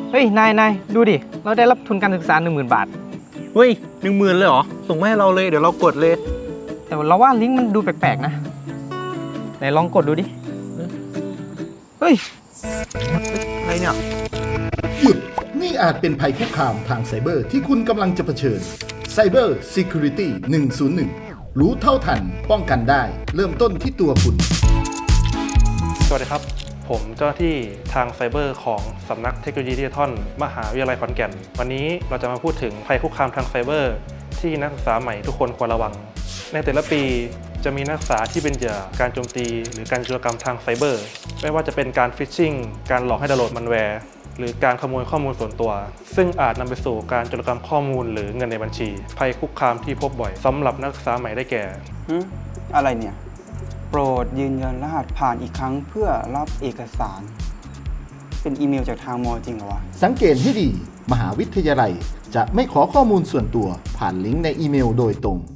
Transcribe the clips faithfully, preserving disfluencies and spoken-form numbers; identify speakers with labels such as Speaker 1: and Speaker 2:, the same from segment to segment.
Speaker 1: เฮ้ยนายนายดูดิเราได้รับทุนการศึกษาหนึ่งหมื่นบาท
Speaker 2: เฮ้ยหนึ่งหมื่นเลยเหรอส่งมาให้เราเลยเดี๋ยวเรากดเลย
Speaker 1: แต่เราว่าลิงก์มันดูแปลกๆนะไหนลองกดดูดิเฮ้ย
Speaker 2: อะไรเนี่ย
Speaker 3: หยุดนี่อาจเป็นภัยคุกคามทางไซเบอร์ที่คุณกำลังจะเผชิญ Cyber Security หนึ่งศูนย์หนึ่งรู้เท่าทันป้องกันได้เริ่มต้นที่ตัวคุณ
Speaker 4: สวัสดีครับผมเจ้าหน้าที่ทางไซเบอร์ของสำนักเทคโนโลยีดิจิทัลมหาวิทยาลัยขอนแก่นวันนี้เราจะมาพูดถึงภัยคุกคามทางไซเบอร์ที่นักศึกษาใหม่ทุกคนควรระวังในแต่ละปีจะมีนักศึกษาที่เป็นเหยื่อการโจมตีหรือการโจรกรรมทางไซเบอร์ไม่ว่าจะเป็นการฟิชชิงการหลอกให้ดาวน์โหลดมันแวร์หรือการขโมยข้อมูลส่วนตัวซึ่งอาจนำไปสู่การโจรกรรมข้อมูลหรือเงินในบัญชีภัยคุกคามที่พบบ่อยสำหรับนักศึกษาใหม่ได้แก่
Speaker 5: อะไรเนี่ยโปรดยืนยันรหัสผ่านอีกครั้งเพื่อรับเอกสารเป็นอีเมลจากทางมอจริงเหรอวะ
Speaker 3: สังเกตให้ดีมหาวิทยาลัยจะไม่ขอข้อมูลส่วนตัวผ่านลิงก์ในอีเมลโดยตรง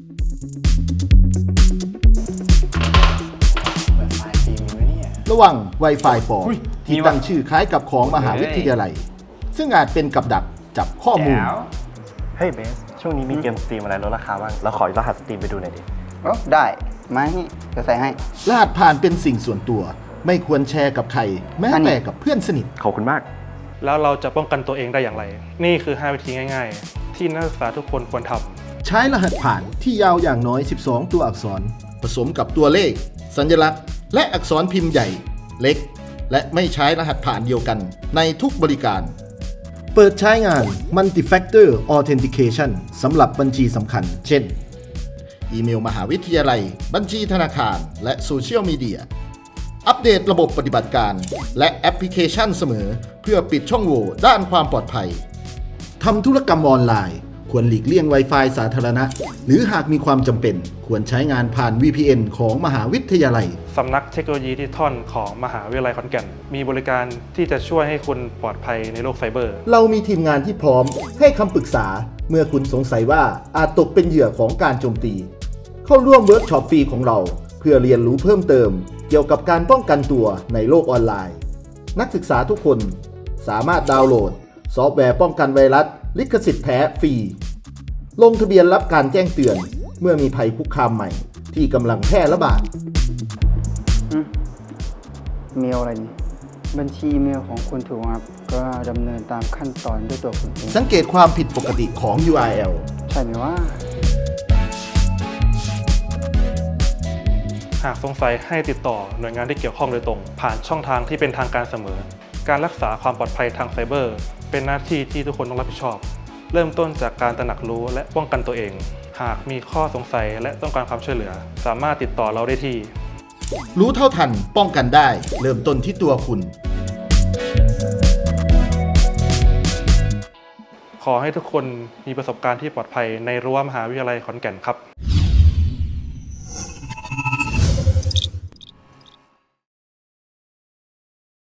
Speaker 3: ระวัง Wi-Fi ปลอมที่ตั้งชื่อคล้ายกับของมหาวิทยาลัยซึ่งอาจเป็นกับดักจับข้อมูล
Speaker 2: เฮ้ยเบสช่วงนี้มีเกมสตรีมอะไรลดราคาบ้างเราขอรหัสสตรีมไปดูหน่อยดิ
Speaker 5: โอ้ได้มาให้จะใส่ให้
Speaker 3: รหัสผ่านเป็นสิ่งส่วนตัวไม่ควรแชร์กับใครแม้แต่กับเพื่อนสนิท
Speaker 2: ขอบคุณมาก
Speaker 4: แล้วเราจะป้องกันตัวเองได้อย่างไรนี่คือห้าวิธีง่ายๆที่นักศึกษาทุกคนควรทำ
Speaker 3: ใช้รหัสผ่านที่ยาวอย่างน้อยสิบสองตัวอักษรผสมกับตัวเลขสัญลักษณ์และอักษรพิมพ์ใหญ่เล็กและไม่ใช้รหัสผ่านเดียวกันในทุกบริการเปิดใช้งาน Multi-Factor Authentication สำหรับบัญชีสำคัญเช่นอีเมลมหาวิทยาลัยบัญชีธนาคารและโซเชียลมีเดียอัปเดตระบบปฏิบัติการและแอปพลิเคชันเสมอเพื่อปิดช่องโหว่ด้านความปลอดภัยทำธุรกรรมออนไลน์ควรหลีกเลี่ยง Wi-Fi สาธารณะหรือหากมีความจำเป็นควรใช้งานผ่าน วี พี เอ็น ของมหาวิทยาลัย
Speaker 4: สำนักเทคโนโลยีดิจิทัลของมหาวิทยาลัยขอนแก่นมีบริการที่จะช่วยให้คุณปลอดภัยในโลกไซเบอร์
Speaker 3: เรามีทีมงานที่พร้อมให้คำปรึกษาเมื่อคุณสงสัยว่าอาจตกเป็นเหยื่อของการโจมตีเข้าร่วมเวิร์กช็อปฟรีของเราเพื่อเรียนรู้เพิ่มเติมเกี่ยวกับการป้องกันตัวในโลกออนไลน์นักศึกษาทุกคนสามารถดาวน์โหลดซอฟต์แวร์ป้องกันไวรัสลิขสิทธิ์แท้ฟรีลงทะเบียนรับการแจ้งเตือนเมื่อมีภัยคุกคามใหม่ที่กำลังแพร่ระบาด
Speaker 5: เมลอะไรนี่บัญชีเมลของคุณถูกครับก็ดำเนินตามขั้นตอนด้วยตัวคุณเอง
Speaker 3: สังเกตความผิดปกติของ ยู อาร์ แอล
Speaker 5: ใช่ไหมว่า
Speaker 4: หากสงสัยให้ติดต่อหน่วยงานที่เกี่ยวข้องโดยตรงผ่านช่องทางที่เป็นทางการเสมอการรักษาความปลอดภัยทางไซเบอร์เป็นหน้าที่ที่ทุกคนต้องรับผิดชอบเริ่มต้นจากการตระหนักรู้และป้องกันตัวเองหากมีข้อสงสัยและต้องการความช่วยเหลือสามารถติดต่อเราได้ที่
Speaker 3: รู้เท่าทันป้องกันได้เริ่มต้นที่ตัวคุณ
Speaker 4: ขอให้ทุกคนมีประสบการณ์ที่ปลอดภัยในรั้วมหาวิทยาลัยขอนแก่นครับ